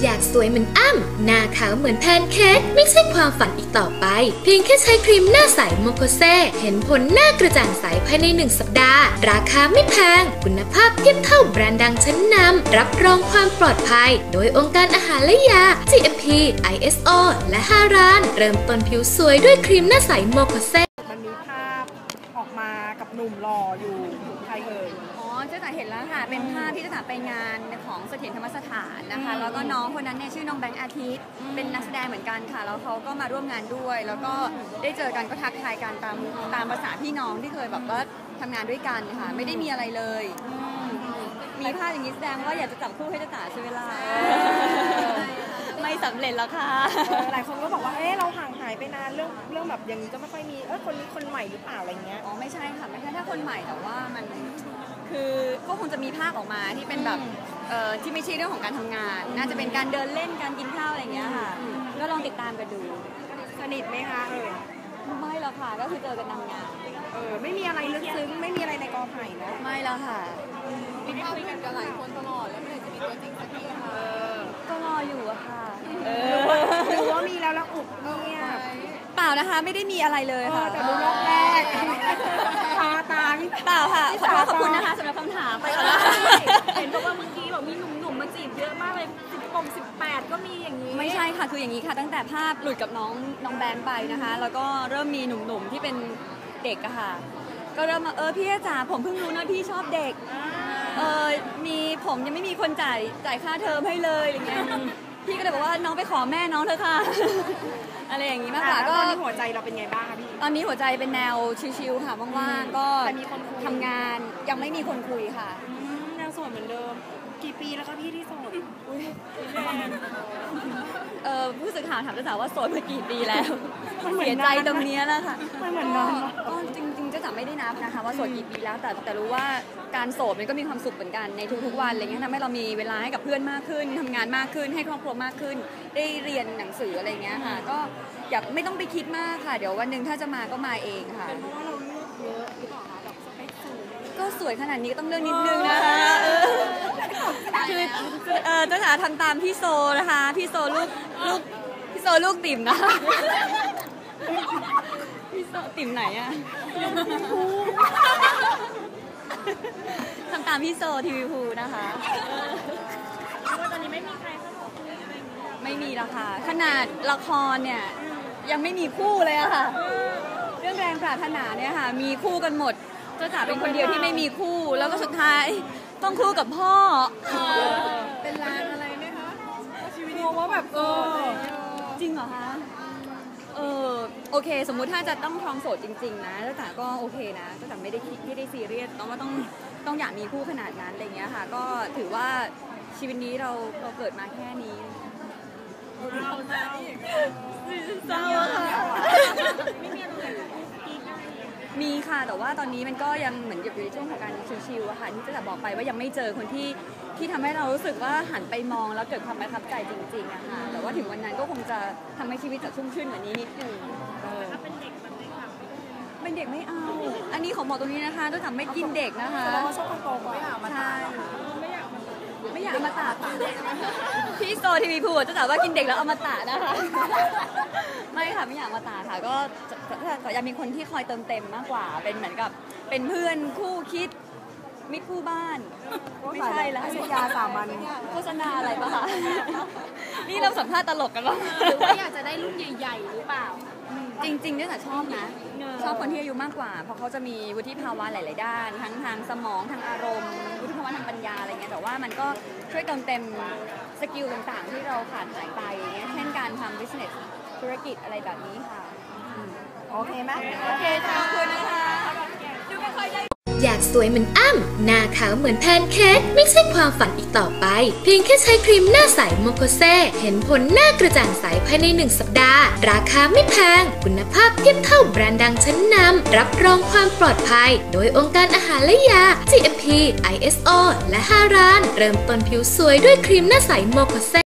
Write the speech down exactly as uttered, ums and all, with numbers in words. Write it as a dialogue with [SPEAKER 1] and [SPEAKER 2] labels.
[SPEAKER 1] อยากสวยเหมือนอ้ำหน้าขาวเหมือนแพนเค้กไม่ใช่ความฝันอีกต่อไปเพียงแค่ใช้ครีมหน้าใสโมโคเซเห็นผลหน้ากระจ่างใสภายในหนึ่งสัปดาห์ราคาไม่แพงคุณภาพเทียบเท่าแบรนด์ดังชั้นนำรับรองความปลอดภัยโดยองค์การอาหารและยา จี เอ็ม พี ไอ เอส โอ และฮารานเริ่มต้นผิวสวยด้วยครีมหน้าใสโมโคเซ
[SPEAKER 2] มันมีภาพออกมากับหนุ่มหล่ออยู่ใครเอ่ย
[SPEAKER 3] อ๋อเจ๊จ๋าเห็นแล้วค่ะเป็นภาพที่เจ๊จ๋าไปงานของเสถียรธรรมสถานนะคะแล้วก็น้องคนนั้นเนี่ยชื่อน้องแบงค์อาทิตย์เป็นนักแสดงเหมือนกันค่ะแล้วเขาก็มาร่วมงานด้วยแล้วก็ได้เจอกันก็ทักทายกันตามตามภาษาพี่น้องที่เคยแบบว่าทำงานด้วยกันค่ะไม่ได้มีอะไรเลยมีภาพอย่างนี้แสดงว่าอยากจะจับคู่ให้เจ๊จ๋าใช่ไหมล่ะไม่สำเร็จแล้วค่ะ
[SPEAKER 2] หลายคนก็บอกว่าเอ๊ะเราห่างหายไปนานเรื่องเรื่องแบบอย่างนี้ก็ไม่ค่อยมีเออคนนี้คนใหม่หรือเปล่าอะไรเงี้ย
[SPEAKER 3] อ๋อไม่ใช่ค่ะไม่ใช่ถ้าคนใหม่แต่ว่ามันคือก็คงจะมีภาพออกมาที่เป็นแบบเอ่อที่ไม่ใช่เรื่องของการทำงานน่าจะเป็นการเดินเล่นการกินข้าวอะไรเงี้ยค่ะก็ลองติดตามกันดู
[SPEAKER 2] สนิทไหมคะเออ
[SPEAKER 3] ไม่หรอกค่ะก็คือเจอกันทำงาน
[SPEAKER 2] เออไม่มีอะไรลึกซึ้งไม่มีอะไรในกอไผ่นะ
[SPEAKER 3] ไม่แล้วค่ะ
[SPEAKER 4] มีภาพคุยกันกับหลายคนตลอดแล้วเมื่อไหร่จะมีตัวจริงสักทีค่ะ
[SPEAKER 3] ก็รออยู่อะค่ะ
[SPEAKER 2] หรือว่ามีแล้วแล้วอุบเนี่ย
[SPEAKER 3] เปล่านะคะไม่ได้มีอะไรเลยค่ะ
[SPEAKER 2] แต่ดูรอบแรกตาตา
[SPEAKER 3] เปล่าค่ะขอขอบคุณนะคะสำหรับคำถามไปก่อนแล้ว
[SPEAKER 4] เห็นบอกว่าเมื่อกี้บอกมีหนุ่มๆมาจีบเยอะมากเลยสิบปงสิบแปดก็มีอย่างนี้
[SPEAKER 3] ไม่ใช่ค่ะคืออย่างนี้ค่ะตั้งแต่ภาพหลุดกับน้องน้องแบงค์ไปนะคะแล้วก็เริ่มมีหนุ่มๆที่เป็นเด็กอะค่ะก็เริ่มมาเออพี่จ๋าผมเพิ่งรู้นะพี่ชอบเด็กเออมีผมยังไม่มีคนจ่ายจ่ายค่าเทอมให้เลยอย่างเงี้ยพี่ก็เลยบอกว่าน้องไปขอแม่น้องเถอะค่ะอะไรอย่างงี้มากกว่า
[SPEAKER 2] ก็ตอนนี้หัวใจเราเป็นไงบ้างคะพี่
[SPEAKER 3] ตอนนี้หัวใจเป็นแนวชิลๆค่ะว่างๆก็ทำงานยังไม่มีคนคุยค่ะ
[SPEAKER 2] ยังโสดเหมือนเดิมกี่ปีแล้วคะพี่ที่โสด
[SPEAKER 3] เออผู้สื่อข่าวถามเจ้าสาวว่าโสดมากี่ปีแล้วเสียใจตรงนี้แล้วค่ะ
[SPEAKER 2] ไม่เหมือนน้อง
[SPEAKER 3] ก็จริงๆเจ้าสาวไม่ได้นับนะคะว่าโสดกี่ปีแล้วแต่แต่รู้ว่าการโสดมันก็มีความสุขเหมือนกันในทุกๆวันอะไรเงี้ยทำให้เรามีเวลาให้กับเพื่อนมากขึ้นทำงานมากขึ้นให้ครอบครัวมากขึ้นได้เรียนหนังสืออะไรเงี้ยค่ะก็อยากไม่ต้องไปคิดมากค่ะเดี๋ยววันหนึ่งถ้าจะมาก็มาเองค่ะ
[SPEAKER 2] เป็นเพราะว่าเราเลือกเยอะหรือเปล่าคะแบบสเปคสูง
[SPEAKER 3] ก็สวยขนาดนี้ก็ต้องเลือกนิดนึงนะคะคือเออเจ้าสาวทำตามพี่โซนะคะพี่โซลูกลูกพี่โซลูกติ่มนะพี่โซติ่มไหนอะทำตามพี่โซทีวีพูนะคะ
[SPEAKER 4] ว่าตอนนี้ไม่มีใครเข้ามาคุยอะไรอย่างนี้
[SPEAKER 3] ไม่มีแล้วค่ะขนาดละครเนี่ยยังไม่มีคู่เลยอะค่ะเรื่องแรงปรารถนาเนี่ยค่ะมีคู่กันหมดเจ้าจ๋าเป็นคนเดียวที่ไม่มีคู่แล้วก็สุดท้ายต้องคู่กับพ่อ
[SPEAKER 4] เป็นร้านอะไรไหมคะ
[SPEAKER 2] ชีวิตงงว่าแบบเออ
[SPEAKER 3] จริงเหรอคะเออโอเคสมมุติถ้าจะต้องครองโสดจริงๆนะเจ้าจ๋าก็โอเคนะเจ้าจ๋าไม่ได้คิดไม่ได้ซีเรียสต้องว่าต้องต้องอยากมีคู่ขนาดนั้นอะไรเงี้ยค่ะก็ถือว่าชีวิตนี้เราเราเกิดมาแค่นี้
[SPEAKER 4] เราเศร้า
[SPEAKER 3] เศร้าค่ะมีค่ะแต่ว่าตอนนี้มันก็ยังเหมือนอยู่ในช่วงของการชิลๆอะค่ะที่จะบอกไปว่ายังไม่เจอคนที่ที่ทำให้เรารู้สึกว่าหันไปมองแล้วเกิดความประทับใจจริงๆอะค่ะแต่ว่าถึงวันนั้นก็คงจะทำให้ชีวิตจะชุ่มชื่นกว่านี้นิดนึง
[SPEAKER 4] ถ้าเป็นเด็กมันไม่ค่ะ
[SPEAKER 3] เป็นเด็กไม่เอาอันนี้ของบอกตรงนี้นะคะต้องทำไม่กินเด็กนะคะ
[SPEAKER 2] เราชอบคนโตกว่า
[SPEAKER 3] ใช่ไม่อยากมาตัดพี่โซทีวีพูดจะถามว่ากินเด็กแล้วเอามาตัดนะคะไม่ค่ะไม่อยากมาตัดค่ะก็แต่อยากมีคนที่คอยเติมเต็มมากกว่าเป็นเหมือนกับเป็นเพื่อนคู่คิดมิตรคู่บ้านไม่ใช่แล้ว
[SPEAKER 2] โฆษณาสามัญ
[SPEAKER 3] โฆษณาอะไรปะคะนี่เราสัมภาษณ์ตลกกันหรอ
[SPEAKER 4] หรือว่าอยากจะได้รุ่นใหญ่ๆหรือเปล่า
[SPEAKER 3] จริงๆเนี่ยแต่ชอบนะชอบคนที่อายุมากกว่าเพราะเขาจะมีวุฒิภาวะหลายๆด้านทั้งทางสมองทางอารมณ์วุฒิภาวะทางปัญญาอะไรเงี้ยแต่ว่ามันก็ช่วยเติมเต็มสกิลต่างๆที่เราขาดหายไปเงี้ยเช่นการทำ business ธุรกิจอะไรแบบนี้ค่ะ
[SPEAKER 2] โอเคไหม
[SPEAKER 3] โอเคขอบคุณนะคะดูไม่ค่อยได้
[SPEAKER 1] อยากสวยเหมือนอ้ำหน้าขาวเหมือนแพนเค้กไม่ใช่ความฝันอีกต่อไปเพียงแค่ใช้ครีมหน้าใสโมโคเซเห็นผลหน้ากระจ่างใสภายในหนึ่งสัปดาห์ราคาไม่แพงคุณภาพเทียบเท่าแบรนด์ดังชั้นนำรับรองความปลอดภัยโดยองค์การอาหารและยา จี เอ็ม พี ไอ เอส โอ และฮารานเริ่มต้นผิวสวยด้วยครีมหน้าใสโมโคเซ